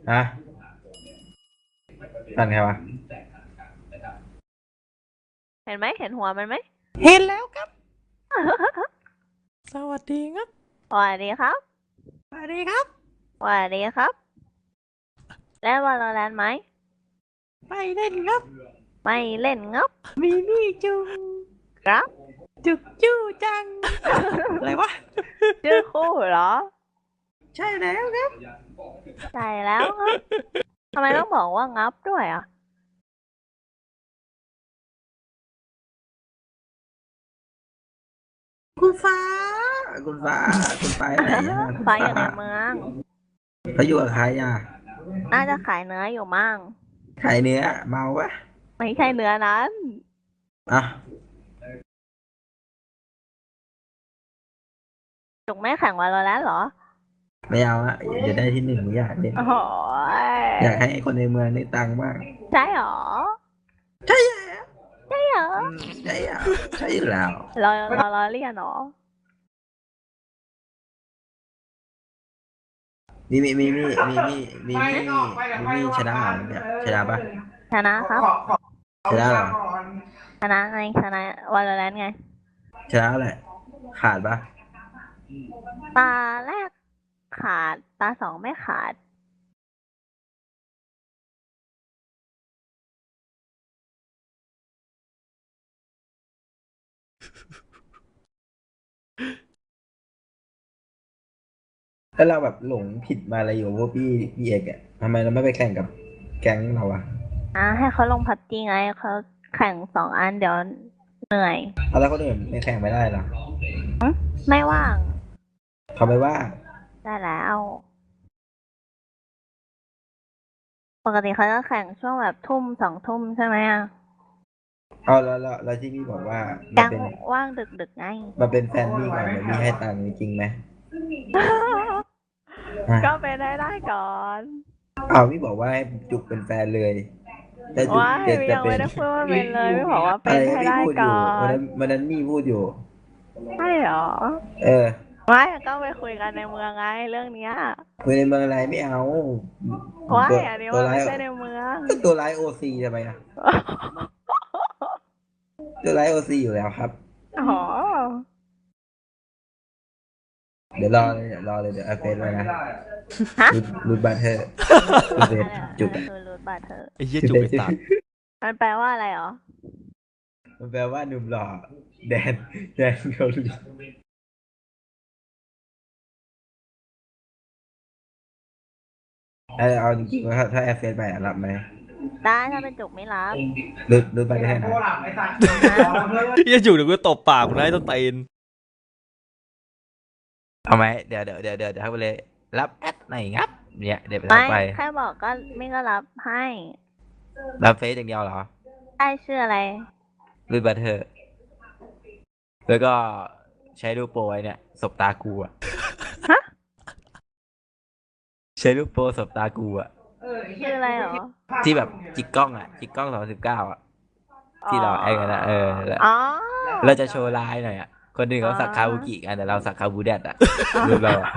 ฮะนั่นไงวะเห็นไหมเห็นหัวมันไหมเห็นแล้วครับ สวัสดีครับสวัสดีครับสวัสดีครับสวัสดีครับเล่นวาโลแรนต์ไหมไม่เล่นครับไม่เล่นงับมีมี่จุงครับจุกจู้จัง อะไรวะชื่อคู่เหรอใช่แล้วครับใช่แล้วครับทำไมต้องบอกว่างับด้วยอ่ะคุณฟ้าคุณฟ้าคุณฟ้าไหนอะไฟอยู่ในเมืองเขาอยู่กับใครอ่ะน่าจะขายเนื้ออยู่มั่งขายเนื้อเมาปะไม่ใช่เนื้อนั้นอ่ะจุกไม่แข่งวาโลแรนต์เหรอไม่เอาอะอย่าได้ที่หนึ่งไม่อยากเล่นโอ้โหอยากให้คนในเมืองได้ตังค์บ้างใช่เหรอใช่แล้วใช่เหรอใช่อ่ะใช่อยู่แล้วเราเรียนเหรอมีชนะเหรอเนี่ยชนะปะชนะครับชนะเหรอชนะไงชนะวาโลแรนต์ไงชนะแหละขาดปะตาแรกขาด ตาสองไม่ขาดแล้วเราแบบหลงผิดมาอะไรอยู่พวกพี่เอกอะทำไมเราไม่ไปแข่งกับแก๊งเราอะให้เขาลงพับจีไงเขาแข่ง2 อันเดี๋ยวเหนื่อยเอาแล้วคนอื่นไม่แข่งไม่ได้เหรอไม่ว่างเขาไม่ว่าได้แล้ว ปกติเขาจะแข่งช่วงแบบทุ่ม2 ทุ่มใช่ไหมอ่ะเอาแล้วที่พี่บอกว่ามัยันงเป็นว่างดึกๆไงมันเป็นแฟนพี่ก่อนเดี๋ยวพี่ให้ตังค์จริงไหมก็ไปได้ก่อนเอาพี่บอกว่าให้จุกเป็นแฟนเลยแต่จุกว้ายจะยังเป็ไม่นได้พูดว่าเป็นเลยไม่บอกว่าอะเป็นไรให้พี่ได้พูดอก่ยู่อวันนนั้นวันนั้นพี่พูดอยู่ใช่เหรอเออว้ายก็ไปคุยกันในเมืองไงเรื่องเนี้ยคุยในเมืองอะไรไม่เอาว้าตัยว อันนี้ตัวมันร้ายไม่ใช่ในเมืองตัวร้ายโอซีทำไมอะตัวร้ายโอซีอยู่แล้วครับอ๋อเดี๋ยวรอเลยเดี๋ยวเอาเฟซไว้นะฮะรูดบัตเทอร์รูดเฟซจุกคือรูทบัตเธอไอ้เหี้ยจุกไอ้ตัดมันแปลว่าอะไรเหรอมันแปลว่าหนุ่มหล่อแดนเกาหลีเอาจริงๆว่าถ้าแอร์เฟซไปอะรับไหมได้ถ้าเป็นจุกไม่รับรูดบัตเทอร์นะเหี้ยจุกเดี๋ยวกูตบปากมึงนะไอ้ต้นตีนเอาไหมเดี๋ยวทักไปเลย รับแอดไหนงับเนี่ยเดี๋ยวไปทัไม่กไปแค่บอกก็ไม่ก็รับให้รับเฟซอย่างเดียวเหรอได้ชื่ออะไรรูดบัตเทอร์แล้วก็ใช้รูปโปรไว้เนี่ยสบตากูอะฮะใช้รูปโปรสบตากูอะชื่ออะไรเหรอที่แบบจิกกล้องอะจิกกล้อง2019อะที่เราไอ้กันนะแล้วอ๋อเราจะโชว์ลายหน่อยอะคนหนึ่งเขาสักคาบุกิกันแต่เราสักคาบูแดดอะรูปเราอะ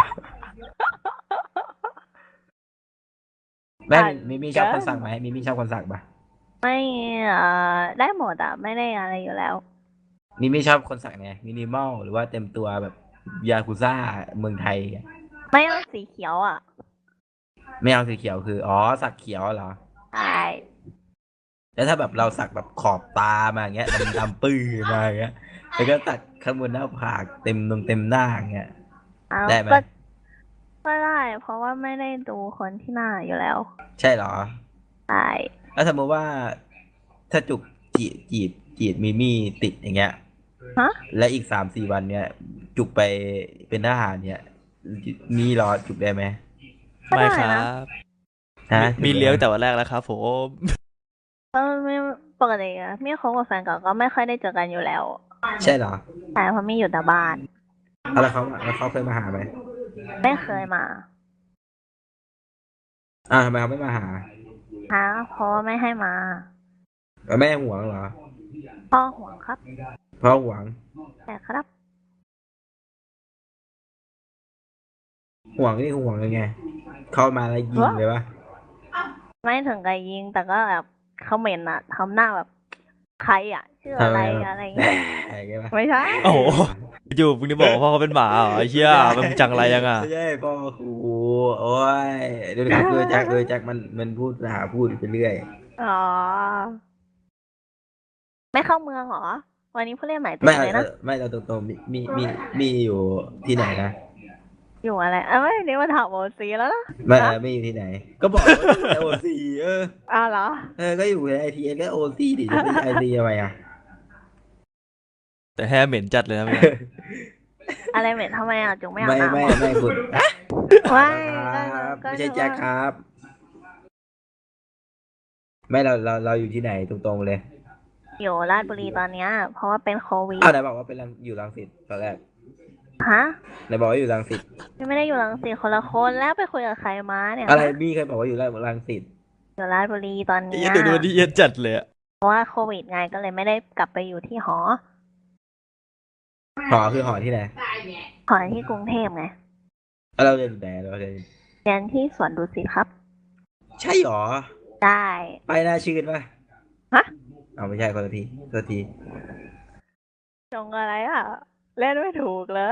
แม่มีชอบคนสักไหมมีชอบคนสักปะไม่ได้หมดอ่ะ ไม่ได้อะไรอยู่แล้วมีชอบคนสักไงมินิมอลหรือว่าเต็มตัวแบบยากุซ่าเมืองไทยไม่เอาสีเขียวอ่ะไม่เอาสีเขียวคืออ๋อสักเขียวเหรอใช่แล้วถ้าแบบเราสักแบบขอบตามาอย่างเงี้ยดำปื้อมาอย่างเงี้ยแล้วก็สักข้างบนหน้าผากเต็มหน้าอย่างเงี้ยเอาได้ไหมก็ได้ เพราะว่าไม่ได้ดูคนที่หน้าอยู่แล้วใช่เหรอใช่แล้วสมมติว่าถ้าจุกจีบมีมี่ติดอย่างเงี้ยฮะและอีก3-4 วันเนี้ยจุกไปเป็นทหารเนี่ยมีรอจุกได้ไหมก็ไม่ได้ครันะบฮะมีเลี้ยงแต่วันแรกแล้วครับผมไม่ปกติอะมี่คบกับแฟนเก่าก็ไม่ค่อยได้เจอกันอยู่แล้วใช่เหรอใช่เพราะมี่อยู่แต่บ้านแล้วเขาเคยมาหาไหมไม่เคยมาทำไมเขาไม่มาหาเพราะว่าไม่ให้มาแม่ห่วงเหรอพ่อห่วงครับพ่อห่วงแต่ครับห่วงนี่ห่วงยังไง เข้ามาแล้วยิงเลยปะไม่ถึงกับยิงแต่ก็แบบเขาเหม็นอะทำหน้าแบบใครอะชื่ออะไรทำไมอะไรแหมเงี้ยอย่างเงี้ยปะไม่ใช่โอ้โหอยู่มึงนี่บอกว่าพ่อเขาเป็นหมาเหรอไอ้เหี้ยมันจังไรยังอ่ะไม่ใช่พ่อครูโอ้ยดูดิครับแจ็คมันพูดพูดไปเรื่อยอ๋อ ไม่เข้าเมืองเหรอ วันนี้ผู้เล่นใหม่ติไม่ดเลยนะไม่เราตรงๆมีอยู่ที่ไหนนะอยู่อะไรไม่นี่มาถามโอซีแล้วนะไม่ฮะไม่อยู่ที่ไหน ก็บอกว่าอยู่ในโอซีอ้าวเหรอก็อยู่ในไอทีเอก็โอซีดิจะไม่ไอซีทำไมอ่ะแต่แฮเหม็นจัดเลยนะเมื่อกี้อะไรเหม็นทำไมจุงไม่อาบไม่น้ำไม่เหรอไม่คุณไม่ครับก็ไม่ใช่นึกแจ็คว่าครับ ไม่เราอยู่ที่ไหนตรงๆเลยอยู่ราชบุรีตอนเนี้ย เพราะว่าเป็นโควิดอ้าวไหนบอกว่าเป็นอยู่รังสิตตอนแรกฮะไหนบอกว่าอยู่รังสิตไม่ได้อยู่รังสิตคนละคนแล้วไปคุยกับใครมาเนี่ยอะไรบี้เคยบอกว่าอยู่รังสิตอยู่ราชบุรีตอนไอ้เนี้เหี้ยยดูนี่เหี้ย็นจัดเลยอะเพราะว่าโควิดไงก็เลยไม่ได้กลับไปอยู่ที่หอหอคือหอที่ไหนหอที่กรุงเทพไงแล้วเราเรียนอยู่ไหนเราเรียนเรียนที่สวนดุสิตครับใช่หรอได้ไปน่าชื่นป่ะฮะเอาไม่ใช่คนละทีคนละทีจงอะไรเล่นไม่ถูกเลย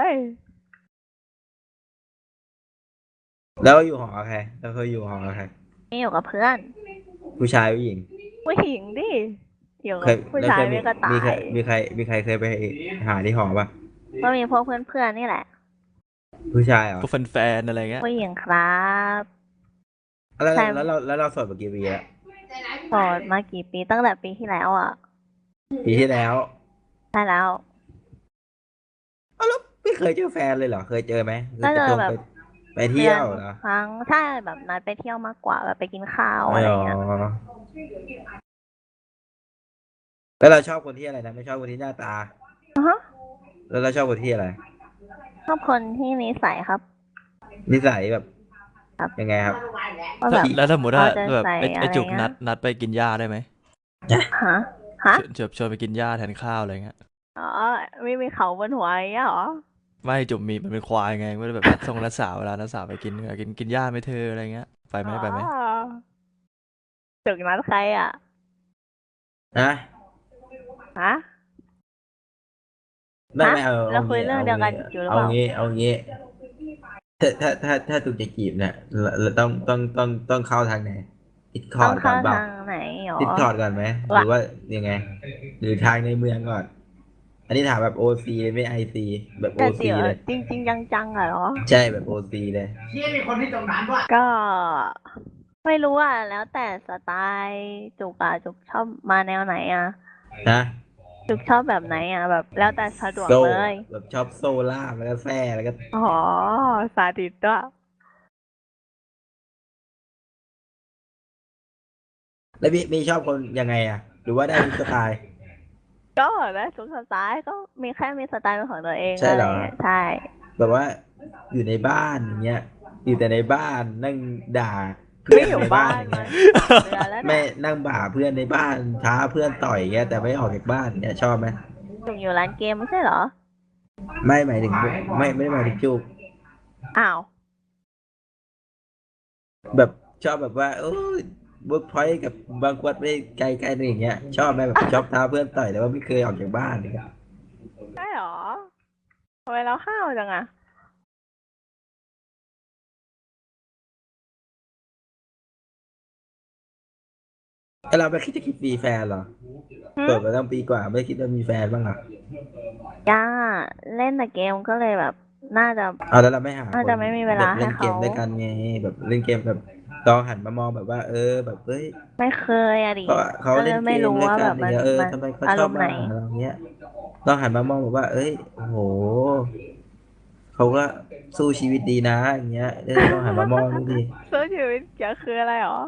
แล้วอยู่หอใครเราเคยอยู่หอใครนี่อยู่กับเพื่อนผู้ชายผู้หญิงผู้หญิงดิอยู่เคกับยผู้แล้วชายเคยไม่ก็ตามีใครยเคยไปหาที่หอป่ะก็มีพวกเพื่อนๆนี่แหละผู้ชายเหรอพวกแฟนๆอะไรเงี้ยผู้หญิงครับแล้วใช่เราโสดมากี่ปีแล้วโสดมากี่ปีตั้งแต่ปีที่แล้วปีที่แล้วใช่แล้วอ้าวแล้วไม่เคยเจอแฟนเลยเหรอเคยเจอไหมก็เจอแบบไปเที่ยวเหรอครั้งใช่แบบนัดไปเที่ยวมากกว่าแบบไปกินข้าวอะไรเงี้ยแล้วเราชอบคนที่อะไรนะไม่ชอบคนที่หน้าตาอือฮะแล้วเราชอบคนที่อะไรชอบคนที่นิสัยครับนิสัยแบบครับยังไงครับก็แบบแล้วถ้าสมมติว่าเอาใจแบบใส่ไอ้จุกอะไรเงี้ยนัดไปกินหญ้าได้ไหมฮะฮะชวนไปกินหญ้าแทนข้าวอะไรเงี้ยอ๋อไม่มีเขาบนหัวอย่างเงี้ยเหรอไม่จุกมีมันเป็นควายไงไม่ได้แบบนัดสาวเวลานัดสาวไปกินหญ้าไหม่เธออะไรเงี้ยไปไหมอ๋อจุกนัดใครนะฮะไม่เอาเราคุยเรื่องเดียวกันอยู่หรือเปล่าเอางี้ถ้าตุกจะจีบเนี่ยเราต้องเข้าทางไหนดิสคอต้อร์งดก่อเข้านเปล่าทางไหนหรอดิสคอร์ดก่อนไหมหรือว่ายังไง หรือทางในเมืองก่อน อันนี้ถามแบบโอซีเลยไม่ไอซีแบบโอแต่ซีเดี๋ยวเลยจริงๆจังๆเหรอใช่แบบโอซีเลยก็ไม่รู้แล้วแต่สไตล์จุกจุกชอบมาแนวไหนนะจุกชอบแบบไหนแบบแล้วแต่สะดวกโซ่เลยแบบชอบโซล่าแล้วก็แซ่แล้วก็อ๋อสาธิตด้วยแล้วมีชอบคนยังไงหรือว่าได้ทุกสไตล์ก็ได้ทุกสไตล์ก็มีแค่มีสไตล์เป็นของตัวเองใช่เหรอะไงี้ยใช่แบบว่าอยู่ในบ้านอย่างเงี้ยอยู่แต่ในบ้านนั่งด่าเพื่ไม่อนอยู่ในบ้าบ้านนอย่างมาเงี้ยเดือนแล้วไม่เนี่ยนั่งบ่าเพื่อนในบ้านท้าเพื่อนต่อยอย่างเงี้ยแต่ไม่ออกจากบ้านเนี่ยชอบไหมจุกอยู่ร้านเกมไม่ใช่เหรอไม่หมายถึงไม่ได้หมายถึงจูบอ้าวแบบชอบแบบว่าโอ้ยเวิร์กพอยต์กับบางขวดไม่ไกลอะไรอย่างเงี้ยชอบไหมแบบชอบท้าเพื่อนต่อยแต่ว่าไม่เคยออกจากบ้านอย่างเงี้ยใช่เหรอทำไมเราห้าวจังไอเราไม่คิดจะคิดมีแฟนเหรอเปิดมาตั้งปีกว่าไม่คิดว่ามีแฟนบ้างเหรอย่าเล่นแต่เกมก็เลยแบบ น่าจะเอาแล้วเราไม่หาน่าจะไม่มีเวลาแบบเล่นให้เกมเขาด้วยกันไงแบบเล่นเกมแบบลองหันมามองแบบว่าแบบเฮ้ยไม่เคยดิเขาก็เลเล่ยนเกไม่มรู้ด้วยว่ากัแบนบอย่างเงี้ยทำไมเขาอาชรอบมณ์ไหนมาหาเราเงี้ยลองหันมามองแบบว่า เอ้ยโอ้โหเขาก็สู้ชีวิตดีนะอย่างเงี้ยลองหันมามองดูดิสู้ชีวิตเกี่ยวคืออะไรหรอ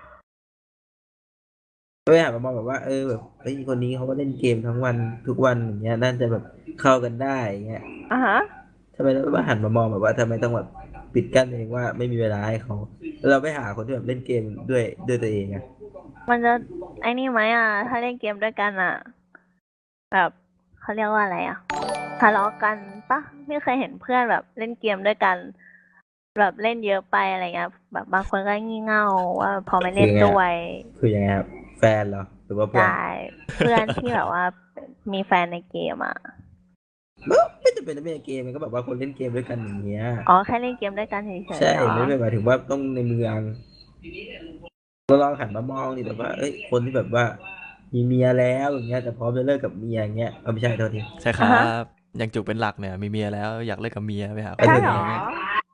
ไม่หันมามองแบบว่าแบบเฮ้ยคนนี้เขาก็เล่นเกมทั้งวันทุกวันอย่างเงี้ยน่าจะแบบเข้ากันได้อย่างเงี้ยอ่ะฮะทำไมเราไม่หันมามองแบบว่าทำไมต้องแบบปิดกั้นเองว่าไม่มีเวลาให้เขาแล้วเราไม่หาคนที่แบบเล่นเกมด้วยตัวเองอะมันจะไอ้นี่ไหมถ้าเล่นเกมด้วยกันแบบเขาเรียกว่าอะไรทะเลาะกันปะไม่เคยเห็นเพื่อนแบบเล่นเกมด้วยกันแบบเล่นเยอะไปอะไรเงี้ยแบบบางคนก็งี่เง่าว่าพอไม่คืเล่นอไงด้วยคือยังไงครับแฟนเหรอหรือว่าเพื่อนได้เพื่อนที่แบบว่ามีแฟนในเกมอ่ะไม่จำเป็นต้องเป็นเกมมันก็แบบว่าคนเล่นเกมด้วยกันอย่างเงี้ยอ๋อแค่เล่นเกมด้วยกันเฉยๆใช่เหรอไม่ได้หมายถึงว่าต้องในเมืองเราลองหันมามองดิแบบว่าเอ้ยคนที่แบบว่ามีเมียแล้วอย่างเงี้ยแต่พร้อมจะเลิกกับเมียอย่างเงี้ยเอาไม่ใช่โทษทีใช่คอ่ะรัฮะบอย่างจุกเป็นหลักเนี่ยมีเมียแล้วอยากเลิกกับเมียไปหาคเอ้ยนใช่อื่นเหรอะไรอเงี้ย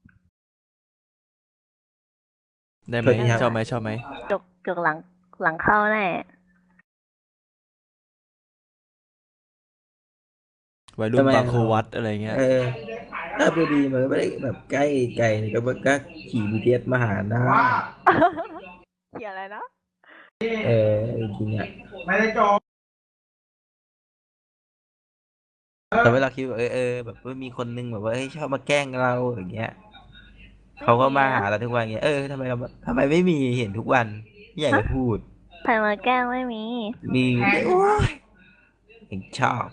ได้ไหโทมษทีครับชอบไหมชอบไหมจุกหลังเข้าแน่วัยรุ่นบางครูวัดอะไรเงี้ยเออถ้าพอดีมันก็ไม่ได้แบบใกล้ไกลเลยก็ขี่BTSมาหาได้เขียนอะไรนะเออจริงๆอ่ะแต่เวลาคิดว่าแบบว่ามีคนนึงแบบว่าเฮ้ยชอบมาแกล้งเราอย่างเงี้ยไม่เขาก็มีนะมาหาเราทุกวันเงี้ยทำไมไม่มีเห็นทุกวันไม่อยากฮะจะพูดใครมาแกล้งไม่มีมีโอ้ยเห็นชอบ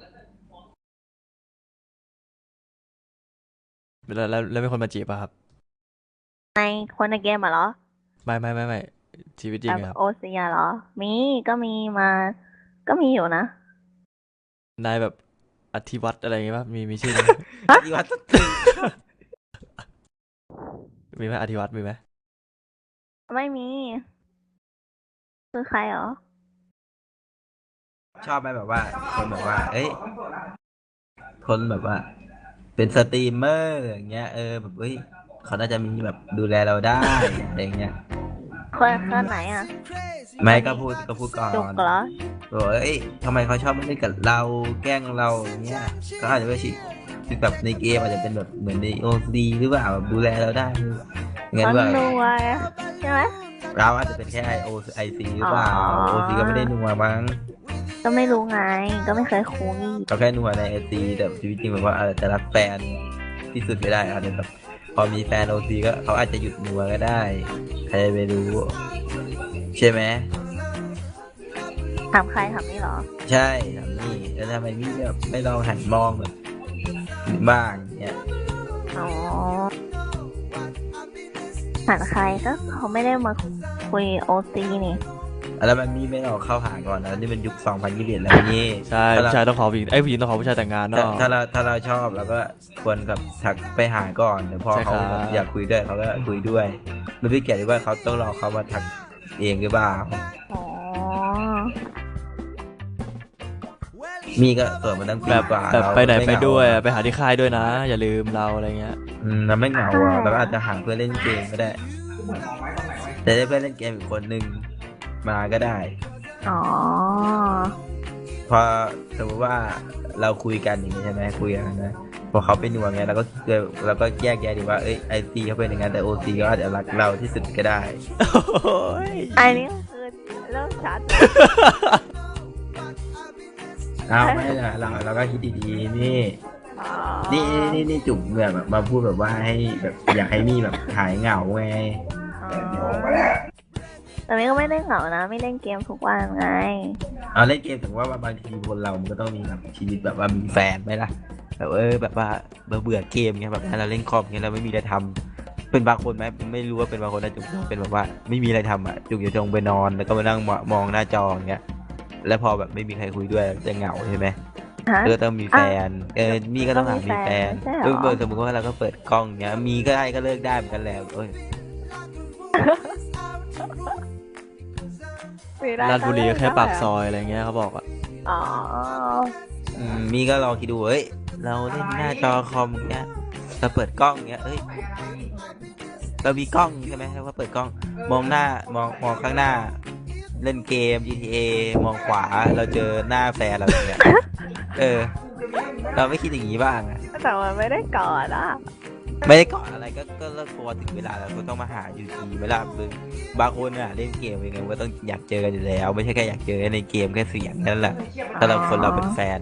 แล้วเป็นคนมาจีบป่ะครับในคนในเกมอะเหรอไม่ชีวิตจริงอะครับแบบโอเซียเหรอ มีก็มีมา ก็มีอยู่นะนายแบบอธิวัตรอะไรเงี้ยป่ะมีชื่อนี้ฮะที่วัดสตึกมีไหมอธิวัตรมีไหมไม่มี คือใครเหรอชอบไหมแบบว่าคนแบบว่าเอ้ยคนแบบว่า เป็นสตรีมเมอร์อย่างเงี้ยแบบเอ้ยเขาน่าจะมีแบบดูแลเราได้อะไรเงี้ยคนไหนอ่ะไม่ก็พูดก่อจุกนเหรอบอกว่าเอ้ยทำไมเขาชอบมาเล่นกับเราแกล้งเราอย่างเงี้ยก็อาจจะไม่ใช่แบบในเกมอาจจะเป็นแบบเหมือนในโอซีหรือเปล่าแบบดูแลเราได้งั้นเขาว่ารวยใช่ไหมเราอาจจะเป็นแค่OICหรือเปล่าอ๋อโอซีก็ไม่ได้นัวมั้งก็ไม่รู้ไง ก็ไม่เคยคุยเขาแค่นัวในOCแต่ชีวิตจริงแบบว่าจะรักแฟนที่สุดไม่ได้อาจจะแบบพอมีแฟนOCก็เขาอาจจะหยุดนัวก็ได้ใครจะไปรู้ใช่ไหมถามใครถามนี่เหรอใช่ทำนี่แล้วทำไมพี่แบบไม่ลองหันมองแบบบ้างเนี่ยอ๋อถามใครก็เขาไม่ได้มาคุยโอซีนี่แล้วมันมีไม่ลองเข้าหาก่อนนะนี่มันยุค2021แล้วนี่ใช่ถ้าผู้เราชายต้องขอผู้หญิงผู้หญิงต้องขอผู้ชายแต่งงานถ้าเนาะถ้าเราชอบเราก็ควรกับทักไปหาก่อนเดี๋ยวพอใช่เขาครับแบบอยากคุยด้วยเขาก็คุยด้วยมันไม่เกี่ยวกับว่าเขาต้องรอเขามาทักเองหรือเปล่าอ๋อมีก็เปิดมาตั้งปีแบบกว่าแบบเราไปไหนม่ไปเหงาด้วยอะไปหาที่ค่ายด้วยนะ อย่าลืมเราอะไรเงี้ยเราไม่เหงาอ่ะเราก็อาจจะหาเพื่อนเล่นเกมก็ได้แต่ได้เพื่อนเล่นเกมอีกคนนึงมาก็ได้อ๋อพอสมมติว่าเราคุยกันอย่างนี้ใช่ไหมคุยกันนะพอเขาเป็นหน่วงไงเราก็แยกแยะดีว่าเอ้ยICเขาเป็นอย่างนั้นแต่OCก็อาจจะรักเราที่สุดก็ได้โอ้ยอันนี้คือเริ่มชัดเอาไม่ละเราก็คิดดีๆนี่อ๋อนี่จุ่มแบบมาพูดแบบว่าให้แบบอยากให้มี่แบบหายเหงาไงอ๋อแต่ไม่ก็ไม่ได้เหงานะ ไม่เล่นเกมทุกวันไงเอาเล่นเกมถึงว่าบางทีคนเรามันก็ต้องมีแบบชีวิตแบบว่ามีแฟนไหมล่ะแบบแบบว่าเบื่อเกมเงี้ยแบบเราเล่นคอมเงี้ยเราไม่มีอะไรทำเป็นบางคนไหมไม่รู้ว่าเป็นบางคนนะจุกเป็นแบบว่าไม่มีอะไรทำอ่ะจุกอยู่จงไปนอนแล้วก็มานั่งมองหน้าจออย่างเงี้ยแล้วพอแบบไม่มีใครคุยด้วยจะเหงาใช่ไหมฮะก็ต้องมีแฟนมีก็ต้องหามีแฟนใช่เหรอสมมติว่าเราก็เปิดกล้องเงี้ยมีก็ได้ก็เลิกได้เหมือนกันแหละเอ้ยราชบุรีก็แค่ปากซอยอะไรเงี้ยเขาบอกอะอ๋อมีก็ลองคิดดูเฮ้ยเราเล่นหน้าจอคอมเงี้ยเราเปิดกล้องเงี้ยเรามีกล้องใช่ไหมเราก็เปิดกล้อง มองหน้ามองข้างหน้า เล่นเกม GTA มองขวาเราเจอหน้าแฟนเราอย่างเงี้ยเราไม่คิดอย่างนี้บ้างอะแต่มันไม่ได้กอดอ่ะไม่ได้ก่อนอะไรก็เลิกพอถึงเวลาแล้วก็ต้องมาหาอยู่ดีเวลาบางคนอ่ะเล่นเกมยังไงก็ต้องอยากเจอกันอยู่แล้ว ไม่ใช่แค่อยากเจอในเกมแค่เสียงนั่นแหละถ้าเราเป็นแฟน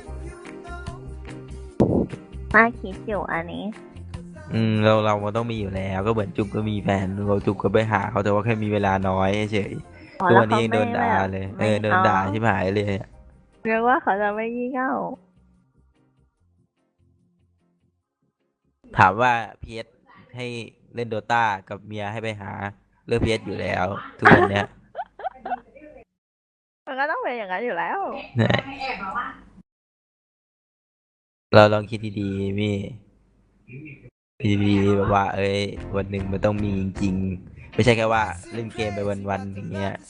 น่าคิดอยู่อันนี้เราต้องมีอยู่แล้วก็เหมือนจุ๊บก็มีแฟนเราจุ๊บก็ไปหาเขาแต่ว่าแค่มีเวลาน้อยเฉยอ๋อตัแล้ว วนี้เขายังโดนด่าเลยไม่โดนด่าชิบหายเลยอะเรียกว่าเขาจะไม่ยี่เง่าถามว่าพีเอสให้เล่นโดตากับเมียให้ไปหาเลือกเพชรอยู่แล้ว ทุกวันเนี้ยมันก็ต้องเป็นอย่างนั้นอยู่แล้วเนี่ยเราลองคิดดีๆมี่ดีๆแบบว่า เอ้ยวันหนึ่งมันต้องมีจริงๆไม่ใช่แค่ว่าเล่นเกมไปวันๆอย่างเงี้ย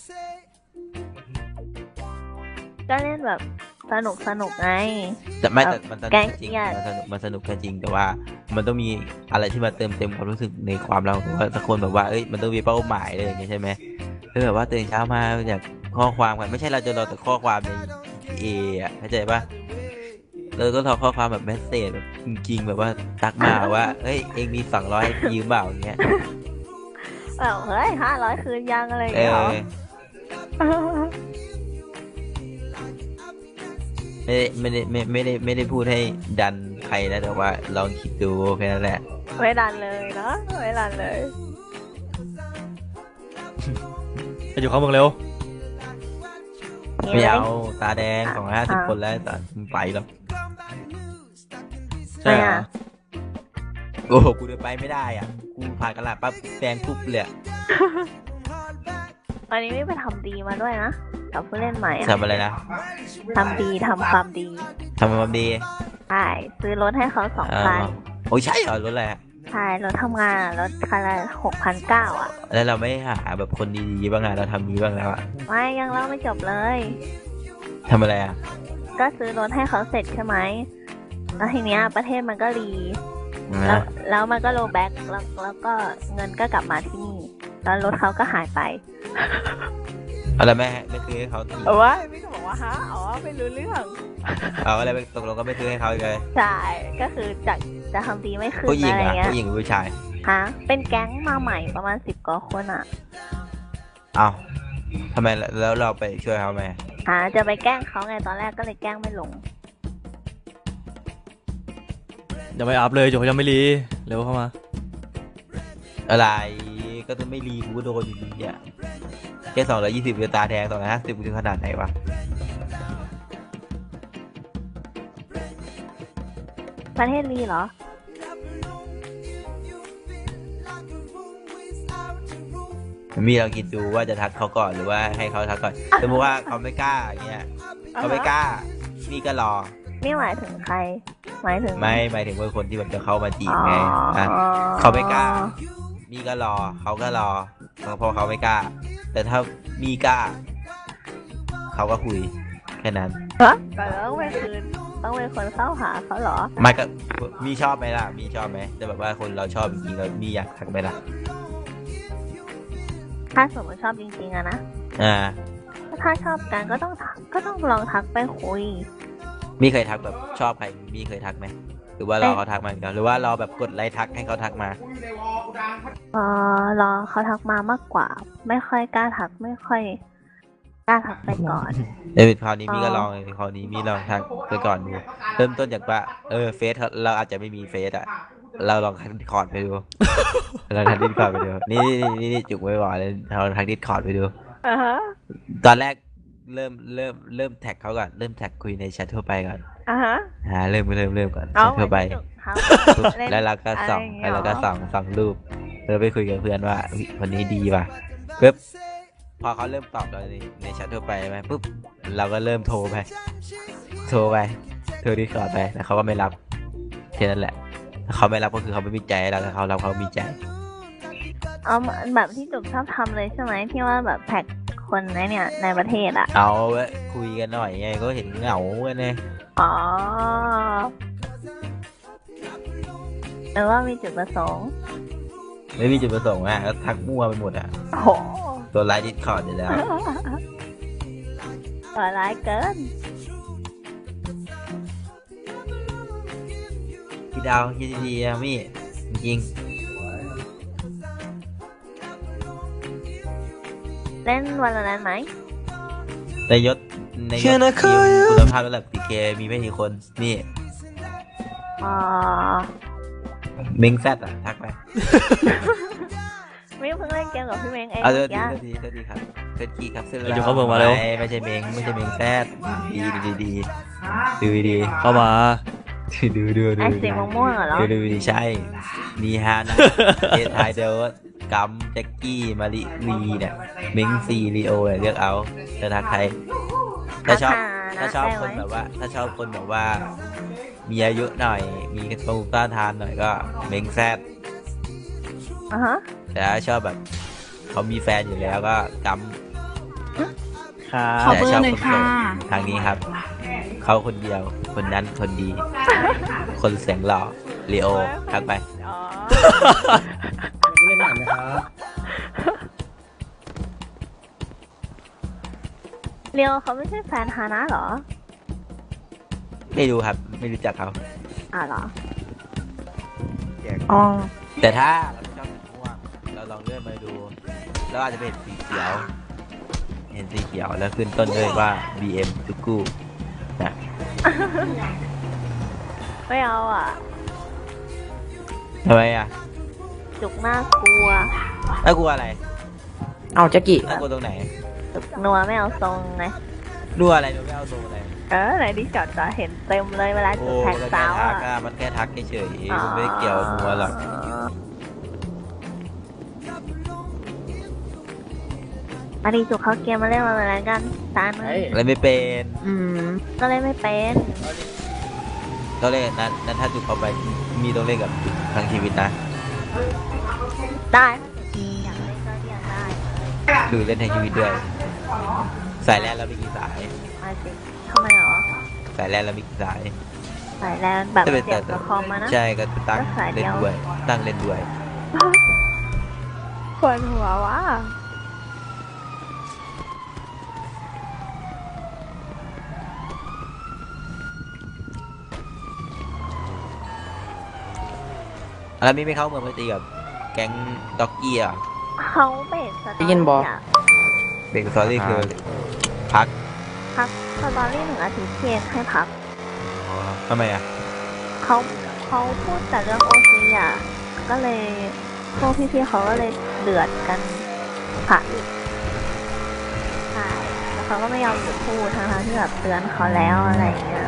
ก็เล่นแบบสนุกไงแต่ไม่แต่มันสนุแก๊กงก็จริงเครียดมันสนุกก็จริงแต่ว่า มันต้องมีอะไรที่มาเติมเต็มความรู้สึกในความเราว่าสักคนแบบว่าเอ้ยมันต้องมีเป้าหมายเลยอย่างเงี้ยใช่ไหมคือแบบว่าตื่นเช้ามาจากข้อความกันไม่ใช่เราจะรอแต่ข้อความใน GTA อ่ะเข้าใจปะเราก็รอข้อความแบบเมสเซจแบบจริงๆแบบว่าทักมาว่าเฮ้ยเองมี200ให้ยืมเปล่าอย่างเงี้ยแบบเฮ้ย500 คืนยังอะไรอย่างเอเงี้ยเหรออไม่ได้พูดให้ดันใครนะแต่ว่าลองคิดดูแค่นั้นแหละไม่ดันเลยเนาะไม่ดันเลยไปอยู่เข้าเมืองเร็วไม่เอาหตาแดงอ่ะ 250 คนแล้วตอนไปหรอกใช่เหรอไม่อะโอ้โหกูเดินไปไม่ได้อ่ะ กูผ่านกระดาษปั๊บแดงปุ๊บเลยอะวันนี้ไม่ไปทำดีมาด้วยนะกับผู้เล่นใหม่อะทำอะไรนะทำดีทำความดีทำความดีใช่ซื้อรถให้เขา2 คันโอ้ยใช่เหรอรถอะไรอะใช่รถทำงานอะรถคันละ6,900 อ่ะแล้วเราไม่หาแบบคนดีๆบ้างอะเราทำดีบ้างแล้วอะไม่ยังเล่าไม่จบเลยทำอะไรอะก็ซื้อรถให้เขาเสร็จใช่ไหมแล้วทีเนี้ยประเทศมันก็รีแล้วนะแล้วมันก็โลแบ็กแล้วก็เงินก็กลับมาที่นี่ แล้วรถเขาก็หายไปอะไรไม่ซื้อให้เขาทีเอาวะพี่ก็บอกว่าฮะอ๋อไม่รู้เรื่องเอาอะไรไปตกลงก็ไม่ซื้อให้เขาเลยใช่ก็คือจะทำดีไม่ขึ้นผู้หญิงอะไรอะเงี้ยผู้หญิงหรือผู้ชายฮะเป็นแก๊งมาใหม่ประมาณ10 กว่าคนอ่ะเอาทำไมแล้วเราไปช่วยเขาไหมจะไปแกล้งเขาไงตอนแรกก็เลยแกล้งไม่ลงยังไม่อัพเลยจุกเขายังไม่รีเร็วเข้ามาอะไรก็ต้องไม่รีกูก็โดนอยู่ดีอ่ะแค่220เดือตาแดง250กูถึงขนาดไหนวะประเทศรีเหรอมีลองคิดดูว่าจะทักเขาก่อนหรือว่าให้เขาทักก่อนสมมติว่าเขาไม่กล้าอย่างเงี้ยเขาไม่กล้ามีก็รอนี่หมายถึงใคร หมายถึงไม่หมายถึงว่าคนที่แบบจะเข้ามาจีบอ๋อไงนะเขาไม่กล้า มีก็รอเขาก็รอเพราะเขาไม่กล้า แต่ถ้ามีกล้า เขาก็คุยแค่นั้นฮะแต่ต้องเป็นคืนต้องเป็นคนเข้าหาเขาเหรอไม่ก็มีชอบไหมล่ะ มีชอบไหมแต่แบบว่าคนเราชอบจริงๆเรามีอยากทักไหมล่ะถ้าสมมติชอบจริงๆอะนะอ่าถ้าชอบกันก็ต้องลองทักไปคุยมีเคยทักแบบชอบใครมีเคยทักไหมหรือว่ารอเขาทักมาอย่างเดียวหรือว่ารอแบบกดไลค์ทักให้เขาทักมารอเขาทักมามากกว่า ไม่ค่อยกล้าทักไม่ค่อยกล้าทักไปก่อนเออคราวนี้มีก็ลองเลยคราวนี้มีลองทักไปก่อนดูเริ่มต้นจากว่าเฟซเราอาจจะไม่มีเฟซอ่ะเราลองทักดิสคอร์ดไปดู เราทักดิสคอร์ดไปดูนี่จุกไว้ก่อนเลยเราทักดิสคอร์ดไปดูอ่าฮะตอนแรกเริ่มแท็กเขาก่อนเริ่มแท็กคุยในแชททั่วไปก่อนอ่าฮะเริ่มก่อนแชเอาททั่วไปครับปุ๊บเล่นแล้วเราก็ส่องอะไรอย่างเงี้แล้ยวเราก็ส่องรูปแล้วไปคุยกับเพื่อนว่าอุ๊ยคนนี้ดีว่ะปุ๊บพอเขาเริ่มตอบเราในแชททั่วไปไหมปุ๊บเราก็เริ่มโทรดิสคอร์ดไปแล้วเขาก็ไม่รับแค่นั้นแหละถ้าเขาไม่รับก็คือเขาไม่มีใจให้เราถ้าเขารับเขามีใจเอาแบบที่จุกชอบทำเลยใช่ไหมที่ว่าแบบแท็กคนเนี่ยในประเทศอ่ะเอาไว้คุยกันหน่อยไงก็เห็นเหงากันไงอ๋อหรือว่ามีจุดประสงค์ไม่มีจุดประสงค์อ่ะก็ทักมั่วไปหมดอ่ะโอ้โหตัวไลน์ดิสคอร์ดอยู่แล้วตัวร้ายเกินคิดเอาคิดดีๆนะมี่จริงเล่นวันละนั้นไหมๆในยศทีมคุณภาพระดับ PK มีไม่กี่คนนี่อ๋อเม้งแซดอ่ะทักไปไม่เพิ่งเล่นเกมกับพี่เม้งเองเอาเมื่เดี๋ยวอกี้ทีครับเซตกี้ครับเซตเดี๋ยวเขาเบิกมาเร็วไม่ใช่เม้งแซดดีดีดูดีเข้ามาดูไอ้สีม่วงๆเหรอดูดิใช่ มีฮานะ เอทายเดอร์กัมแจ็กกี้มาริลีเนี่ยมิงซีลีโอเนี่ยเลือกเอาจะทักใครถ้าชอบนะถ้าชอบได้คนไหมแบบว่า ถ้าชอบคนแบบว่า มีอายุหน่อย มีกระตูต้านทานหน่อยก็เม้งแซดอ่ะฮะแต่ถ้าชอบแบบเขามีแฟนอยู่แล้วก็กัมขอเบอร์หน่อยค่ะทางนี้ครับ เขาคนเดียว คนนั้นคนดี คนเสียงหล่อลีโอทักไปอ๋อเล่นหนังนะครับเรียวเขาไม่ใช่แฟนฮานะเหรอไม่รู้ครับ ไม่รู้จักเขาเหรอ อ๋อแต่ถ้าเราไม่ชอบสีม่วงเราลองเลื่อนมาดูแล้วอาจจะเป็นสีเขียว เห็นสีเขียวแล้วขึ้นต้นด้วยว่า BM ทุกคู่นะไม่เอาอ่ะทำไมอ่ะจุกน่ากลัวน่ากลัวอะไรเอาแจ็กกี้น่ากลัวตรงไหนจุกนัวไม่เอาทรงไงรั่วอะไรดูไม่เอาทรงอะไรไหนที่จอดจะเห็นเต็มเลยเวลาโอ้จุกแทงมันสาแค่วทักอ่ะอะมันแค่ทักเฉยๆมันไม่ได้เกี่ยวนัวหรอกมาดีจุกเขาเกมมาเล่นมาเหมือนกันตาหนึ่งอะไรไม่เป็นก็เล่นไม่เป็นต้องเล่นนั้นถ้าจุกเข้าไปมีต้องเล่นกับจุกทั้งชีวิตนะได้อยากเล่นก็อยากได้คือเล่นทั้งชีวิตด้วยสายแรกเรามีกี่สายมาสิทำไมเหรอสายแรกเรามีกี่สายสายแลนแบบจะเป็นเสียบกับคอมมานะใช่ก็ตั้งก็สายเดีเล่นยวด้วยตั้งเล่นด้วยปวดหัวว่ะแล้วมีไม่เข้าเมืองไปตีกับแก๊งด็อกกี้อ่ะเขาเบรกสตอได้ยินบอรี่อะเบรกสตอรี่คือพักพักสตอรี่1 อาทิตย์เพียงให้พักทำไมอ่ะเขาพูดแต่เรื่องโอซีอ่ะ ก็เลยพวกพี่ๆเขาก็เลยเดือดกันผ่าหยุดใช่แล้วเขาก็ไม่ยอมหยุดพูดทั้งๆที่แบบเตือนเขาแล้วอะไรอย่างเงี้ย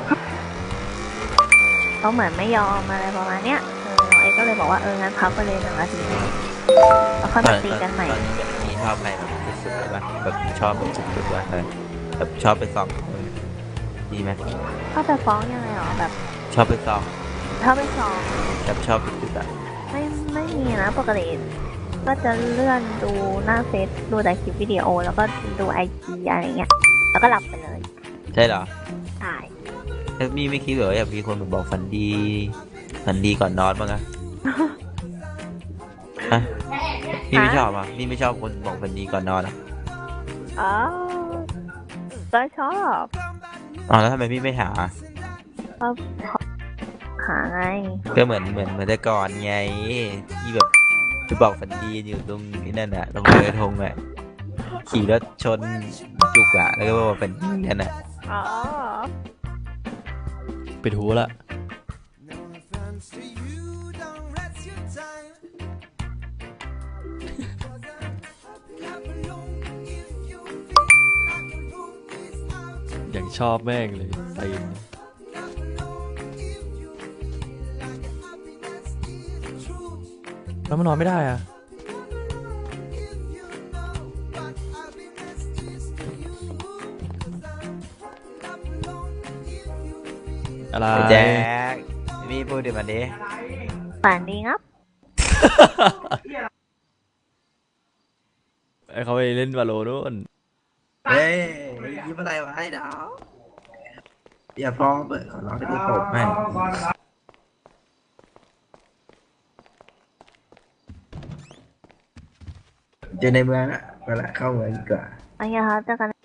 เขาเหมือนไม่ยอมอะไรประมาณเนี้ยน้องเอ็กก็เลยบอกว่างั้นพักไปเลย1 อาทิตย์แล้วค่อยมาตีกันใหม่ตอนนี้มีชอบใครแบบสุดๆเลยป่ะแบบชอบแบบสุดๆว่ะแบบชอบไปส่องดีไหมเขาจะฟ้องยังไงหรอแบบชอบไปส่องถ้าไปสอบแบบชอบสุดๆอ่ะไม่มีนะปกติก็จะเลื่อนดูหน้าเฟซดูแต่คลิปวิดีโอ แล้วก็ดูไอจีอะไรเงี้ย แล้วก็หลับไปเลยใช่เหรอใช่แล้วมีไม่คิดเหรออยากมีคนมาบอกฝันดีฝันดีก่อนนอนบ้างอะฮะพี่ไม่ชอบอ่ะพี่ไม่ชอบคนบอกฝันดีก่อนนอนอ่ะอ๋อก็ชอบอ๋อแล้วทำไมพี่ไม่หาก็หาไงก็เหมือนแต่ก่อนไงที่แบบไปบอกฝันดีอยู่ตรงนี้นั่นน่ะตรงเรือธงอ่ะขี่รถชนจุกอ่ะแล้วก็บอกฝันดีกันอ่ะอ๋อปิดหูละ อย่างชอบแม่งเลยตีนแล้วมันนอนไม่ได้อะอะไรแจ็คพี่พูดเดี๋ยวมันดิฝันดีครับไอ้เขาไปเล่นวาโลนู่นเฮ้ยยิ้มอะไรวะไอ้ดาวอย่าฟ้องเปิดขอร้องให้ได้ตบให้เจอในเมืองอ่ะเวลาเข้าเมืองดีกว่าโอเคครับเจอกัน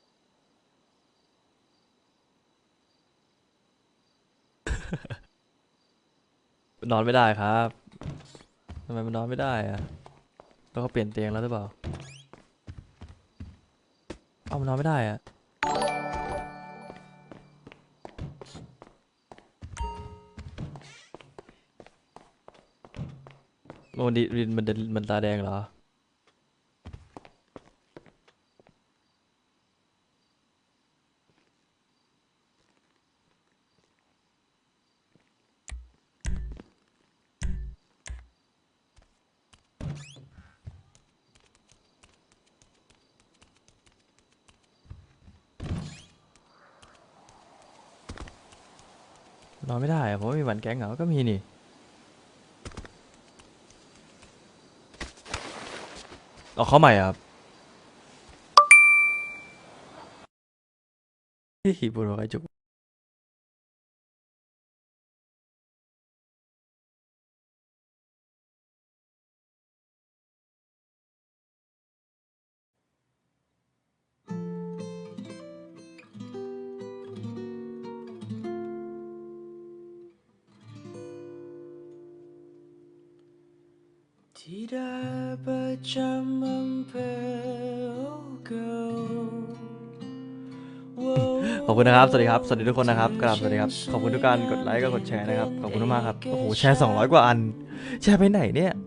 นอนไม่ได้ครับทำไมมันนอนไม่ได้อะแล้วเขาเปลี่ยนเตียงแล้วหรือเปล่าเอามันนอนไม่ได้อะโอ้ดิมันตาแดงเหรอนอนไม่ได้อะเพราะว่ามีวันแก๊งเหรอก็มีนี่เอาเข้าใหม่อะครับฮิบุโรไคจุที่ได้ประจำอำเภอเก่าขอบคุณนะครับ สวัสดีครับ สวัสดีทุกคนนะครับกราบสวัสดีครับ ขอบคุณทุกการกดไลค์กับกดแชร์นะครับ ขอบคุณมากๆครับ โอ้โห แชร์200 กว่าอัน แชร์ไปไหนเนี่ย